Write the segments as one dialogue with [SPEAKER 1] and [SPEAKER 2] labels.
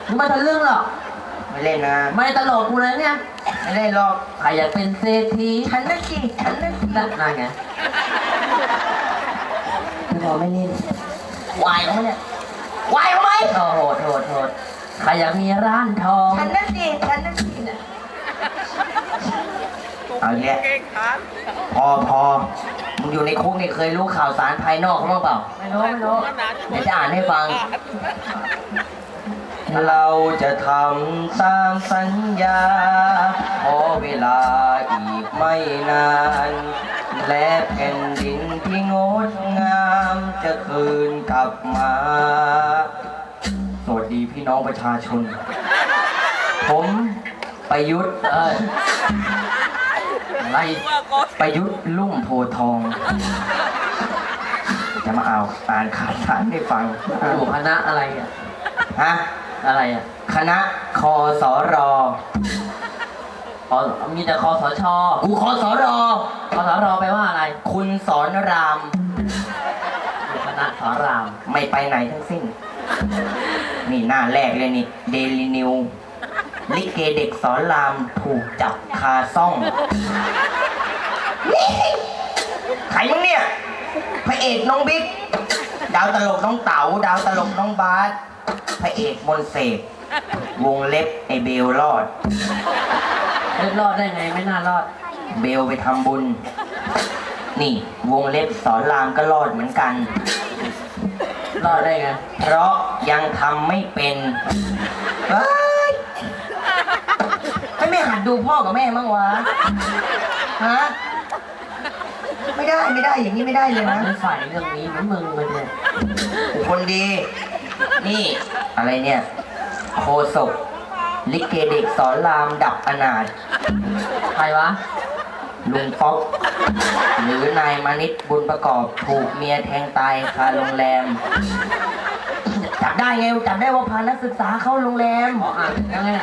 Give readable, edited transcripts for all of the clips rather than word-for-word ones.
[SPEAKER 1] ไม่ทะลึ่งหรอก
[SPEAKER 2] ไม่เล่นนะ
[SPEAKER 1] ไม่ตลกกูเลยเนี่ย
[SPEAKER 2] ไม่เล่นหรอก
[SPEAKER 1] ใครอยากเป็นเศรษฐี
[SPEAKER 2] ฉันนั่นสิฉันนั่น
[SPEAKER 1] นั่นไง
[SPEAKER 2] พี่พอไม่เล่นวายเขาเนี่ยวายเขาไหม
[SPEAKER 1] โหดใครอยากมีร้านทอง
[SPEAKER 2] ฉันนั่นสิฉันนั่นสิเอาเนี้ยพอมึงอยู่ในคุกนี่เคยรู้ข่าวสารภายนอกเขาบ้างเปล่า
[SPEAKER 1] ไม่รู้
[SPEAKER 2] เดี๋ยวจะอ่านให้ฟังเราจะทำตามสัญญาขอเวลาอีกไม่นานและแผ่นดินที่งดงามจะคืนกลับมาสวัสดีพี่น้องประชาชนผมประยุทธ์อะไรประยุทธ์ลุ่มโพทองจะมาเอาอ่านข่าวสารให้ฟัง
[SPEAKER 1] อยู่คณะอะไรอ่ะ
[SPEAKER 2] ฮะ
[SPEAKER 1] อะไรอ่ะ
[SPEAKER 2] คณะคสร
[SPEAKER 1] มีแต่คสช
[SPEAKER 2] กูคสร
[SPEAKER 1] คสรแปลว่าอะไร
[SPEAKER 2] คุณสอนราม
[SPEAKER 1] อยู่คณะสอนราม
[SPEAKER 2] ไม่ไปไหนทั้งสิ้นนี่หน้าแรกเลยนี่เดลินิวลิเกเด็กสอนรามถูกจับคาซ่องใครมึงเนี่ยพระเอกน้องบิ๊กดาวตลกน้องเต๋าดาวตลกน้องบาสพระเอกมนเสกวงเล็บไอเบลรอด
[SPEAKER 1] รอดได้ไงไม่น่ารอด
[SPEAKER 2] เบลไปทำบุญนี่วงเล็บสอนรามก็รอดเหมือนกัน
[SPEAKER 1] รอดได้ไง
[SPEAKER 2] เพราะยังทำไม่เป็นไม่หัดดูพ่อกับแม่มั้งวะฮะไม่ได้อย่างนี้ไม่ได้เลยนะ
[SPEAKER 1] ไม่ใส่เรื่องนี้นะมึงมันเนี่ย
[SPEAKER 2] คนดีนี่อะไรเนี่ยโคศกลิเกเด็กสอนรามดับอนาถ
[SPEAKER 1] ใครวะ
[SPEAKER 2] ลุงป๊อกหรือนายมานิตบุญประกอบถูกเมียแทงตายคาโรงแรมจับได้ไงจับได้ว่าพานักศึกษาเข้าโรงแรม
[SPEAKER 1] ยังไงอ่ะ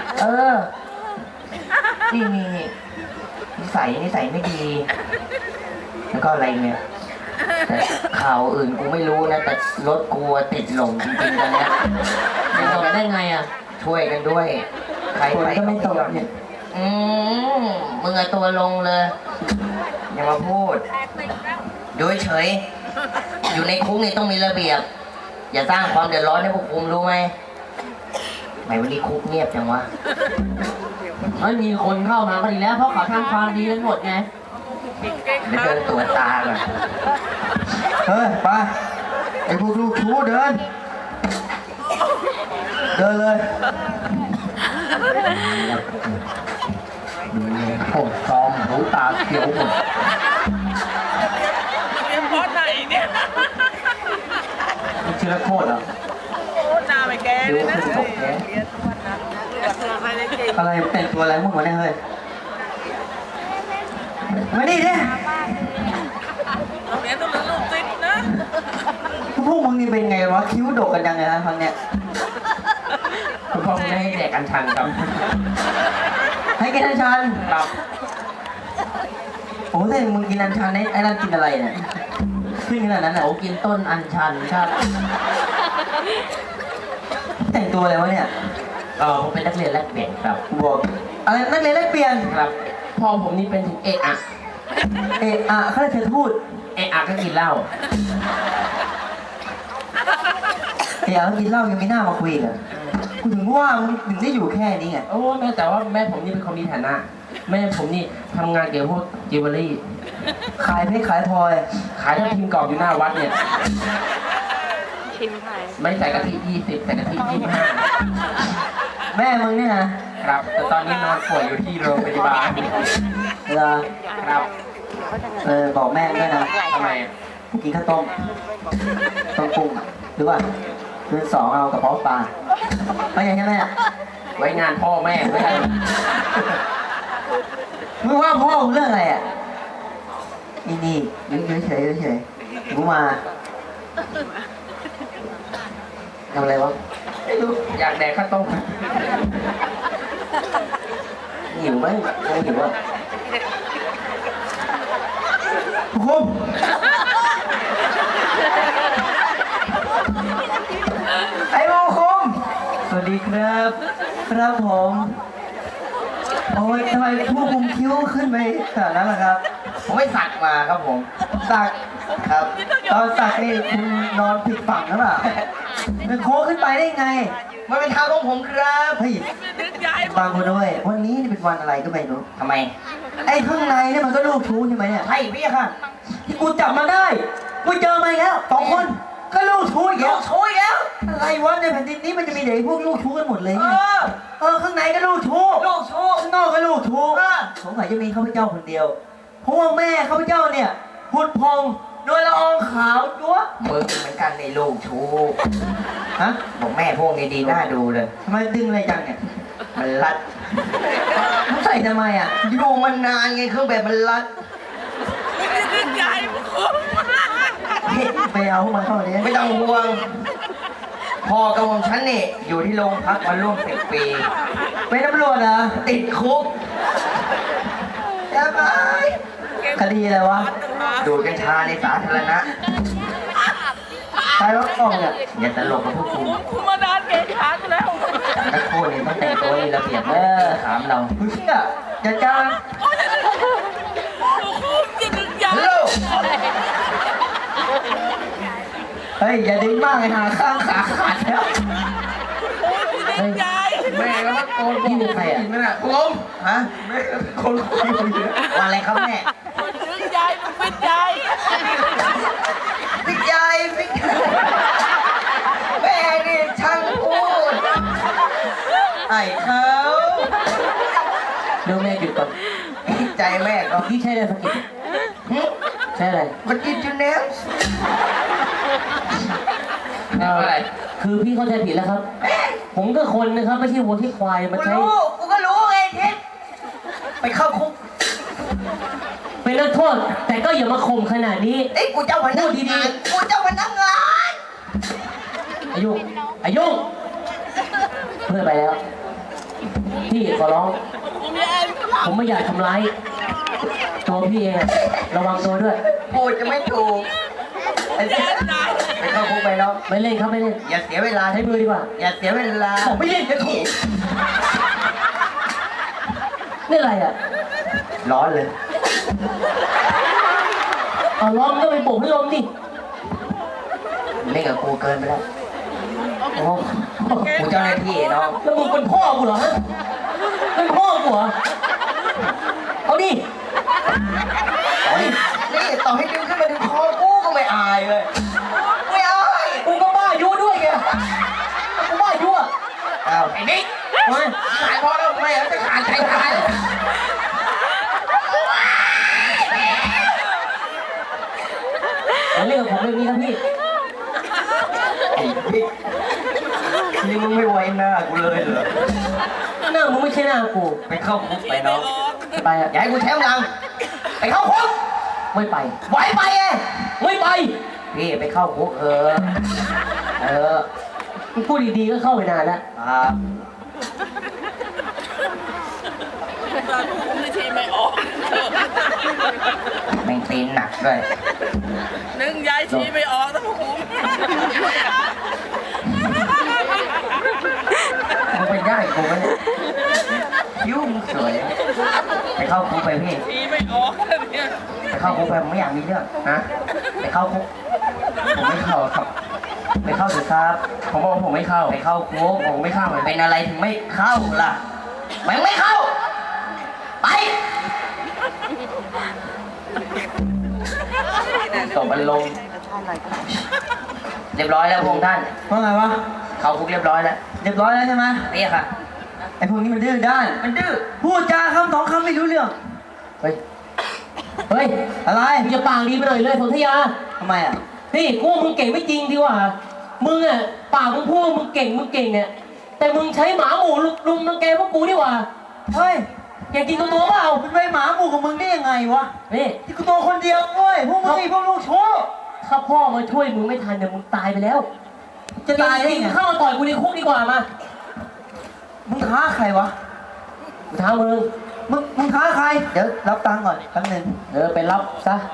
[SPEAKER 2] นี่นิสัยไม่ดีแล้วก็อะไรเนี่ยแต่ข่าวอื่นกูไม่รู้นะแต่รถกูติดหลงจริงๆตอนนี้
[SPEAKER 1] จะตกได้ไงอ่ะ
[SPEAKER 2] ช่วยกันด้วยใครไปก็ไม่ตกเนี่ยมึงเอาตัวลงเลยอย่ามาพูดดูเฉยอยู่ในคุกนี่ต้องมีระเบียบอย่าสร้างความเดือดร้อนให้พวกคุมรู้ไหมไหนวันนี้คุกเงียบจังวะ
[SPEAKER 1] ไม่มีคนเข้ามาก็ดีแล้วเพราะเขาทำความดีกันหมดไง
[SPEAKER 2] เดี๋ยวเดินตัวตาก่อนเฮ้ยไปไอ้พวกลูกชู้เดินเลยผมซ้อมหูตาเขียวหมด
[SPEAKER 3] เพราะไหนเนี่ย
[SPEAKER 2] นี่ชื่อละโคตรเหรอ
[SPEAKER 3] หน้าไม่แก่เลยนะ
[SPEAKER 2] อะไรแต่งตัวอะไรมึงวะเนี่ยเฮ้ยมาดิเนี่ย
[SPEAKER 3] เรียนต้องลูกติดนะ
[SPEAKER 2] พวกมึงนี่เป็นไงวะคิ้วโดกกันยังไงฮะครั้งเนี้ย
[SPEAKER 1] คุณพ่อไม่ให้แดกอัญชันครับ
[SPEAKER 2] ให้กินอัญชัน
[SPEAKER 1] ครับ
[SPEAKER 2] โอ้แต่มึงกินอัญชันไอ้นั่นกินอะไรเนี่ยขึ้นขนาดนั้นอ่ะ
[SPEAKER 1] โอ้กินต้นอัญชันครับ
[SPEAKER 2] แต่งตัวอะไรวะเนี่ย
[SPEAKER 1] ผมเป็นนักเรียนแลกเปลี่ยนครับ
[SPEAKER 2] บอกอะไรนักเรียนแลกเปลี่ยน
[SPEAKER 1] ครับพ่อผมนี่เป็นเอะ
[SPEAKER 2] เขาเลยเธอพูด
[SPEAKER 1] ก็กินเหล้า
[SPEAKER 2] ก็กินเหล้ายังไม่น่ามาคุยกันกูถึงว่ามึงถึงได้อยู่แค่นี้ไง
[SPEAKER 1] โอ้แม่แต่ว่าแม่ผมนี่เป็นคนมีฐานะแม่ผมนี่ทำงานเกี่ยวกับพวกจิวเวลรี่
[SPEAKER 2] ขายเพชรขายพลอย
[SPEAKER 1] ขายทับทิมกรอบอยู่หน้าวัดเนี่ย
[SPEAKER 3] ทิมไผ่
[SPEAKER 1] ไม่ใส่กะทิ20ใส่กะทิ
[SPEAKER 2] 25แม่มึงเนี่ย
[SPEAKER 1] นะครับแต่ตอนนี้นอนป่วยอยู่ที่โรงพยาบาล
[SPEAKER 2] เหรอ
[SPEAKER 1] ครับ
[SPEAKER 2] บอกแม่ด้วยนะ
[SPEAKER 1] ทำไม
[SPEAKER 2] กินข้าวต้มปรุงหรือว่าคืน2เอากระเพาะปลาไม่ใช่ไหม
[SPEAKER 1] ไว้งานพ่อแม่ไม่ใช่
[SPEAKER 2] มึงว่าพ่อมึงเรื่องอะไรอ่ะนี่เฉยกูมาทำอะไรวะ
[SPEAKER 1] ไม่รู้อยากแดกข้าวต้ม
[SPEAKER 2] หิวไหมไม่หิวอ่ะคุ้มไอ้โมคุ้มสวัสดีครับ ครับผม โอ้ยทำไมผู้คุมคิ้วขึ้นไปขนาดนั้นล่ะครับ ผมไม่สักมาครับผม สักครับ ตอนสักนี่คุณนอนผิดฝั่งหรือเปล่ามันโค้งขึ้นไปได้ไง มันเป็นทางของผมครับเฮ้ย
[SPEAKER 3] นึกย้าย
[SPEAKER 2] ฟังกูด้วย วันนี้นี่เป็นวันอะไรก็ไม่รู้ทำไม ไอ้ข้างในเนี่ยมันก็ลูกชู้ใช่ไหมเนี่ยใช่พี่ค่ะ ที่กูจับมาได้ กูเจอมาอีกแล้ว2 คนก็ลูกชู้อีกแล้วอะไรวะในแผ่นดินนี้มันจะมีเด็กพวกลูกชู้กันหมดเลยไงข้างในก็ลูกชู้ข้างนอกก็ลูกชู้สงสัยจะมีข้าพเจ้าคนเดียวเพราะว่าแม่ข้าพเจ้าเนี่ยหุ่นพองโดยละอองขาวจั๊วมึงเหมือนกันในลูกชู้ฮะบอกแม่พวกนี้ดีน่าดูเลยทำไมดึงอะไรจังเนี่ยมันรัดมึงใส่ทำไมอ่ะอยู่มันนานไงเครื่องแบบมันรัด
[SPEAKER 3] นึกย้ายมึงคุ้ม
[SPEAKER 2] ไปเอามาเข้าเลยไม่ต้องห่วงพ่อกับผมฉันนี่อยู่ที่โรงพักมาร่วม10 ปีเป็นตำรวจเหรอติดคุกจะไปคดีอะไรวะดูดกัญชาในสาธารณะใครว่ากล้องเนี่ยอย่าตลกกับพวกคุณ
[SPEAKER 3] คุ้มมานานเกณฑ์ขากันแล้ว
[SPEAKER 2] นักโทษนี่ต้องแต่งตัวมีระเบียบถามเราเฮ้ยจะจ้าง
[SPEAKER 3] คุ้มจะนึกย้าย
[SPEAKER 2] ฮัลโหลเฮ้ยอย่าดึงมากเลยหาข้างขาขาดแล้ว
[SPEAKER 3] นึกย้าย
[SPEAKER 1] แม่แล้วโกน
[SPEAKER 2] พี่เป็นใครอ่ะ
[SPEAKER 1] ไม่น่ะผม
[SPEAKER 2] ฮะ
[SPEAKER 1] แม่คนคุยคนเดียว
[SPEAKER 2] ว่าอะไรครับแม่
[SPEAKER 3] นึกย้ายมึงเป็นย้าย
[SPEAKER 2] พี่ใหญ่พี่แม่นี่ช่างพูดไอ้เขา
[SPEAKER 1] เดี๋ยวแม่หยุดก่อน
[SPEAKER 2] ใจแม่ก็
[SPEAKER 1] พี่ใช่อะไรสกิดใช่อะไร
[SPEAKER 2] มันกินจุนเนส
[SPEAKER 1] อะไรคือพี่เข้าใจผิดแล้วครับ ผมก็คนนะครับไม่ใช่วัวที่ควายมา
[SPEAKER 2] กู
[SPEAKER 1] ใช้
[SPEAKER 2] รู้กูก็รู้ไงทิศไปเข้าคุก
[SPEAKER 1] เป็นนักโทษแต่ก็อย่ามาข่มขนาดนี้
[SPEAKER 2] เอ้ยกูเจ้าพนักงานกูเจ้าพนักงาน
[SPEAKER 1] อายุเพื่อนไปแล้วพี่ขอร้อง
[SPEAKER 3] คุ้มย้าย
[SPEAKER 1] ผมไม่อยากทำร้ายตัวพี่เองอะระวังตัวด้วย
[SPEAKER 2] พูดจะไม่ถูกไป
[SPEAKER 3] ย้ายตาย
[SPEAKER 2] เข้าคุกไปแล้ว
[SPEAKER 1] ไม่เล่นครับไม่เล่น
[SPEAKER 2] อย่าเสียเวลา
[SPEAKER 1] ใช้มือดีกว่า
[SPEAKER 2] อย่าเสียเวลา
[SPEAKER 1] บอกไม่เล่นจะถูกนี่อะไรอ่ะ
[SPEAKER 2] ร้อนเลย
[SPEAKER 1] เอาล้อมก็ไปโบกพัดลมดิ
[SPEAKER 2] เล่นกับกูเกินไปแล้ว
[SPEAKER 1] โอ้
[SPEAKER 2] กูเจ้าหน้าที่น้อง
[SPEAKER 1] แล้วมึงเป็นพ่อกูเหรอฮะเป็นพ่อกูเหรอเอาดิ
[SPEAKER 2] นี่ต่อให้ดึงขึ้นมาดึงคอกูก็ไม่อายเลยไม่อาย
[SPEAKER 1] กูก็บ้ายุด้วยไงกูบ้ายุอ่ะ
[SPEAKER 2] อ้าวไอ้นิก
[SPEAKER 1] มา
[SPEAKER 2] ขายพอแล้วไม่เอาจะขาดใจตาย
[SPEAKER 1] อย่าเล่นกับผมแบบนี้ครับพี่
[SPEAKER 2] ไอ้นิกนี่มึงไม่ไว้หน้ากูเลยเหรอ
[SPEAKER 1] หน้ามึงไม่ใช่หน้ากู
[SPEAKER 2] ไปเข้าคุกไปน้อง
[SPEAKER 1] ไปอ่ะ
[SPEAKER 2] อย่าให้กูแช่งลังไปเข้าคุก
[SPEAKER 1] ไม่ไป
[SPEAKER 2] ไหวไปไง
[SPEAKER 1] ไม่ไป
[SPEAKER 2] พี่ไปเข้าคุก
[SPEAKER 1] มึงพูดดีๆก็เข้าไปนานแล้ว
[SPEAKER 2] ครับ
[SPEAKER 3] คุ้มในทีไม่ออก
[SPEAKER 2] แม่งตีนหนักด้วย
[SPEAKER 3] นึกย้ายทีไม่ออกต้องคุ้ม
[SPEAKER 2] มึงไปได้กูไหมเนี่ยคิ้วมึงสวยไปเข้าคุกไปพี่
[SPEAKER 3] ทีไม่ออกเนี่ย
[SPEAKER 2] ไปเข้าคุกไปผมไม่อยากมีเรื่องนะไปเข้าคุกผมไม่เข้าครับไปเข้าสิครับ
[SPEAKER 1] ผมบอกว่าผมไม่เข้า
[SPEAKER 2] ไปเข้าคุก
[SPEAKER 1] ผมไม่เข้าเลย
[SPEAKER 2] เป็นอะไรถึงไม่เข้าล่ะมันไม่เข้าไปตกอารมณ์เรียบร้อยแล้วพวกท่าน
[SPEAKER 4] ว่าไงวะ
[SPEAKER 2] เข้าคุกเรียบร้อยแล้ว
[SPEAKER 4] เรียบร้อยแล้วใช่ไหม
[SPEAKER 2] นี่ค่ะ
[SPEAKER 4] ไอ้พวกนี้มันดื้อด้าน
[SPEAKER 2] มันดื้อ
[SPEAKER 4] พูดจาคำ2 คำไม่รู้เรื่อง
[SPEAKER 1] เฮ้ย เฮ้ย
[SPEAKER 4] อะไร
[SPEAKER 1] มึงจะปากดีไปหน่อยเลยสนธยา
[SPEAKER 4] ทำไมอ่ะ
[SPEAKER 1] นี่กูว่ามึงเก่งไม่จริงดีกว่า มึงอ่ะปากมึงพูดว่ามึงเก่งเนี่ยแต่มึงใช้หมาหมูลุมรังแกพวกกูดีกว่า
[SPEAKER 4] เฮ้ย
[SPEAKER 1] เก่งจริงตัวเปล่า
[SPEAKER 4] เป็นไปหมาหมู่ของมึงได้ยังไงวะ
[SPEAKER 1] นี่
[SPEAKER 4] ที่กูตัวคนเดียวเว้ยพวกมึงนี่พวกลูกชู้
[SPEAKER 1] ถ้าพ่อมาช่วยมึงไม่ทันเนี่ยมึงตายไปแล้ว
[SPEAKER 4] จะตายได้
[SPEAKER 1] จริง
[SPEAKER 4] ไง
[SPEAKER 1] ๆเข้ามาต่อยกูในคุกดีกว่ามา
[SPEAKER 4] มึงท้าใครวะ
[SPEAKER 1] กูท้ามึง
[SPEAKER 4] มึงท้าใคร เดี๋ยวรับตังค์ก่อนแป๊บนึง
[SPEAKER 1] ไปรับซะ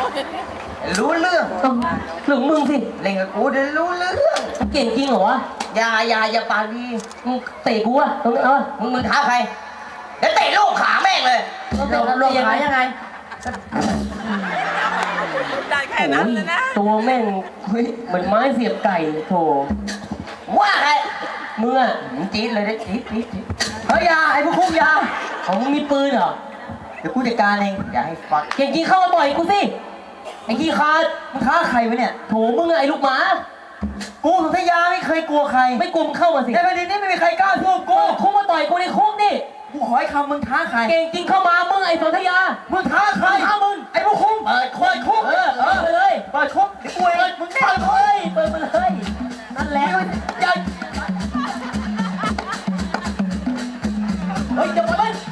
[SPEAKER 2] รู้เรื่อง
[SPEAKER 1] หรือมึงสิ
[SPEAKER 2] เล่นกับกูเดี๋ยวรู้เรื่อง
[SPEAKER 1] มึงเก่งจริงเหรอวะ
[SPEAKER 2] อย่าปากดี
[SPEAKER 1] มึงเตะกูอะตรงนี้
[SPEAKER 2] มึงท้าใครเดี๋ยวเตะลูกขาแม่งเลย
[SPEAKER 1] ลงขายยังไง
[SPEAKER 3] ได้แค่นั้นเลยนะ
[SPEAKER 1] ตัวแม่งเหมือนไม้เสียบไก่โถ
[SPEAKER 2] ว่าใคร
[SPEAKER 1] มึงอะ
[SPEAKER 2] จี๊ดเลยนะจี๊ด
[SPEAKER 4] เฮ้ยอยาไอ้พวกคุกอยา
[SPEAKER 1] ของมึงมีปืนเหรอ
[SPEAKER 4] เดี๋ยวกูจัดการเอง
[SPEAKER 2] อย่าให้ฟัง
[SPEAKER 1] เก่งจริงเข้ามาบ่อยกูสิไอ้ขี้ขาด
[SPEAKER 4] มึงท้าใครวะเนี่ย
[SPEAKER 1] โถมึงอะไอ้ลูกหมา
[SPEAKER 4] กูสุทยาไม่เคยกลัวใคร
[SPEAKER 1] ไม่กลุ่มเข้ามาสิ
[SPEAKER 4] ในประเด็นนี้ไม่มีใครกล้าสู้กู
[SPEAKER 1] คุกมาต่อยกูในคุกนี่
[SPEAKER 4] กูขอให้คำมึงท้าใคร
[SPEAKER 1] เก่งจริงเข้ามามึงไอ้สนธยา
[SPEAKER 4] มึงท้าใคร
[SPEAKER 1] ท้ามึง
[SPEAKER 4] ไอ้พวกคุก
[SPEAKER 2] เปิดคุก
[SPEAKER 4] คุก
[SPEAKER 1] เปิดเลย
[SPEAKER 4] เปิดคุกเดี๋ยวกูเองมึง
[SPEAKER 1] เปิดเลยเปิดมาเลยนั่นแหละอย่าเฮ้ยอย่ามาเล่น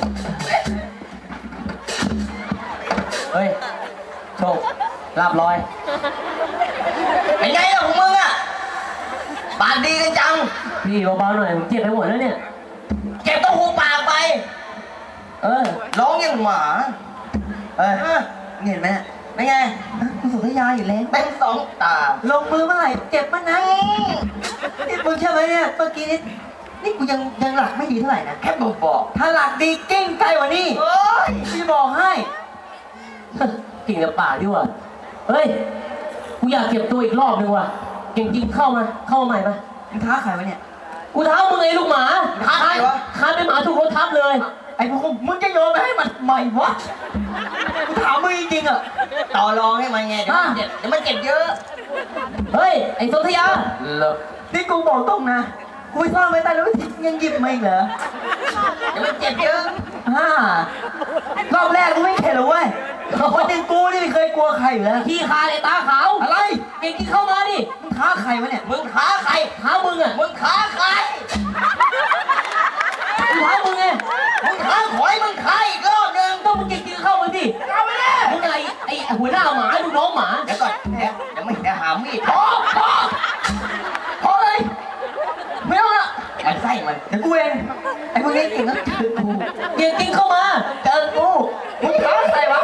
[SPEAKER 1] เฮ้ยโชคลาบลอย
[SPEAKER 2] เป็นไงล่ะของมึงอ่ะปากดีกันจัง
[SPEAKER 1] พี่เบาๆหน่อยผมเจ็บไปหมดแล้วเนี่ย
[SPEAKER 2] เก็บต้องหูปากไป
[SPEAKER 1] เออ
[SPEAKER 2] ร้องอย่างหมา
[SPEAKER 4] เอ้ยเห็นไหมเนี่ย
[SPEAKER 2] เป็นไง
[SPEAKER 4] กูสุทยาอยู่แล้ว
[SPEAKER 2] เป็นสองตา
[SPEAKER 4] ลงมือเมื่อไหร่เจ็บมันนะนี่มึงใช่ไหมเนี่ยเมื่อกี้นี่กูยังหลักไม่ดีเท่าไหร่นะ
[SPEAKER 2] แค่บอก
[SPEAKER 4] ถ้าหลักดีเก่งไกลกว่านี้
[SPEAKER 2] เอ้ย
[SPEAKER 4] พี่บอกให้
[SPEAKER 1] กิ่งกับป่ากดีกว่าเฮ้ยกูอยากเก็บตัวอีกรอบนึงว่ะเก่งจริงเข้ามาใหม่มา
[SPEAKER 4] มึงท้าใครวะเนี่ย
[SPEAKER 1] กูท้ามึงไอ้ลูกหมาคานเป็นหมาถูกรถทับเลย
[SPEAKER 4] ไอ้พวกคุกมึงจะโยนไปให้มันใหม่วะกูถามมึงจริงๆอ่ะ
[SPEAKER 2] ต่อรองให้มันไงเดี๋ยวมันเจ็บเดี๋ยวมันเจ็บเยอะ
[SPEAKER 1] เฮ้ยไอ้สนธยา
[SPEAKER 2] เลิก
[SPEAKER 4] นี่กูบอกตรงนะกูไปซ่อนไว้ใต้รถยังหยิบมาอีกเหรอ
[SPEAKER 2] เดี๋ยวมันเจ็บเยอะ
[SPEAKER 4] รอบแรกกูไม่เข็ดหรอกเว้ยคนอย่างกูนี่ไม่เคยกลัวใครอยู่แล้ว
[SPEAKER 1] ขี้คาไอ้ตาขาว
[SPEAKER 4] อะไร
[SPEAKER 1] เก่งจริงเข้ามาดิ
[SPEAKER 4] มึงท้าใครวะเนี่ย
[SPEAKER 2] มึงท้าใคร
[SPEAKER 1] ท้ามึงอ่ะ
[SPEAKER 2] มึงท้าใคร
[SPEAKER 1] กูท้ามึงไง
[SPEAKER 2] มึงท้าขอยมึงท้าอีกรอบหนึ่ง
[SPEAKER 1] ต้องมึงเก่งจริงเข้ามาดิ
[SPEAKER 2] เอาไปเลย
[SPEAKER 1] มึงอะไรไอ้หัวหน้าหมาลูกน้องหมา
[SPEAKER 2] เดี๋ยวก่อนเดี๋ยวไม่ได้หามีดพอเลย
[SPEAKER 4] ไม่เอาละ
[SPEAKER 2] มันไส้มัน
[SPEAKER 4] เดี๋ยวกูเองไอ้พวกนี้เก่งก็ถือกู
[SPEAKER 1] เก่งจริงเข้ามา
[SPEAKER 4] เจอกูมึงท้าใครวะ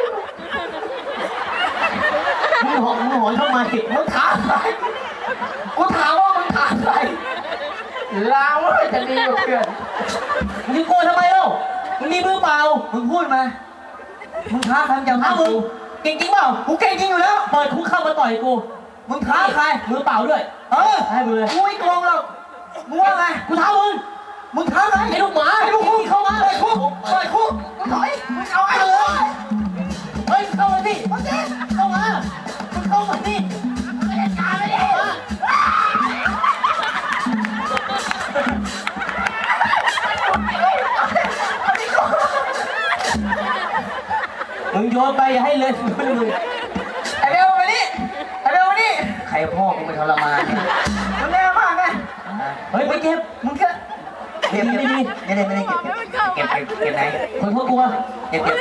[SPEAKER 1] มึงหอนทำไม
[SPEAKER 4] มึงท้าใครกูถามว่ามึงท้าใครลาวว่าจะดีกว่าเพื่อน
[SPEAKER 1] มึงจะกลัวทำไมเล่ามึงมีมือเปล่า
[SPEAKER 4] มึงพูดมามึงท้าใครมึงจะ
[SPEAKER 1] ท้า
[SPEAKER 4] ท้า
[SPEAKER 1] มึ
[SPEAKER 4] มึ
[SPEAKER 1] ง
[SPEAKER 4] ง
[SPEAKER 1] เก่งจริงเปล่า
[SPEAKER 4] กูเก่งจริงอยู่แล้ว
[SPEAKER 1] เปิดคุกเข้ามาต่อยกู
[SPEAKER 4] มึงท้าใคร
[SPEAKER 1] มือเปล่าด้วย
[SPEAKER 4] เออ
[SPEAKER 1] ให้มึงเลย
[SPEAKER 4] กูไม่โกงหรอกมึงว่าไง
[SPEAKER 1] กูท้ามึง
[SPEAKER 4] มึงท้าใคร
[SPEAKER 1] ไอ้ลูกหมา
[SPEAKER 4] ไอ้ลูกคุก
[SPEAKER 1] เข้ามา
[SPEAKER 4] เปิดคุกเปิดคุกมึงถอยมึงเอาไอ้เลย
[SPEAKER 1] เฮ้ยเข้ามาสิเข้ามามึงเข้ามาสิไม่ได้การเลยเข้ามามึงโยนไปอย่าให้เลยมึง
[SPEAKER 4] ไอ้เบลมานี่ไอ้เบลมานี่
[SPEAKER 2] ใครพ่อกูเป็นทรมานเนี่ย
[SPEAKER 4] มึงแน่มากไง
[SPEAKER 1] เฮ้ยไปเก็บ
[SPEAKER 4] มึงแค่เก็บไม่ได้เก็บ
[SPEAKER 2] เก็บไหน
[SPEAKER 1] คนพวกกูอะ
[SPEAKER 2] เก็บ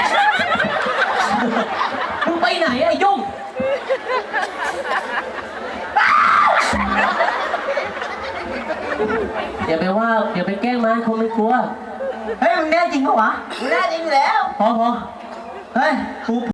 [SPEAKER 1] มึงไปไหนไอ้ยุ่งอย่าไปว่าอย่าไปแกล้งมันเขาไม่กลัว
[SPEAKER 4] เฮ้ยมึงแน่จริงปะวะ
[SPEAKER 2] มึงน่าจริงอยู่แล้ว
[SPEAKER 1] พอ
[SPEAKER 4] เฮ้ยกู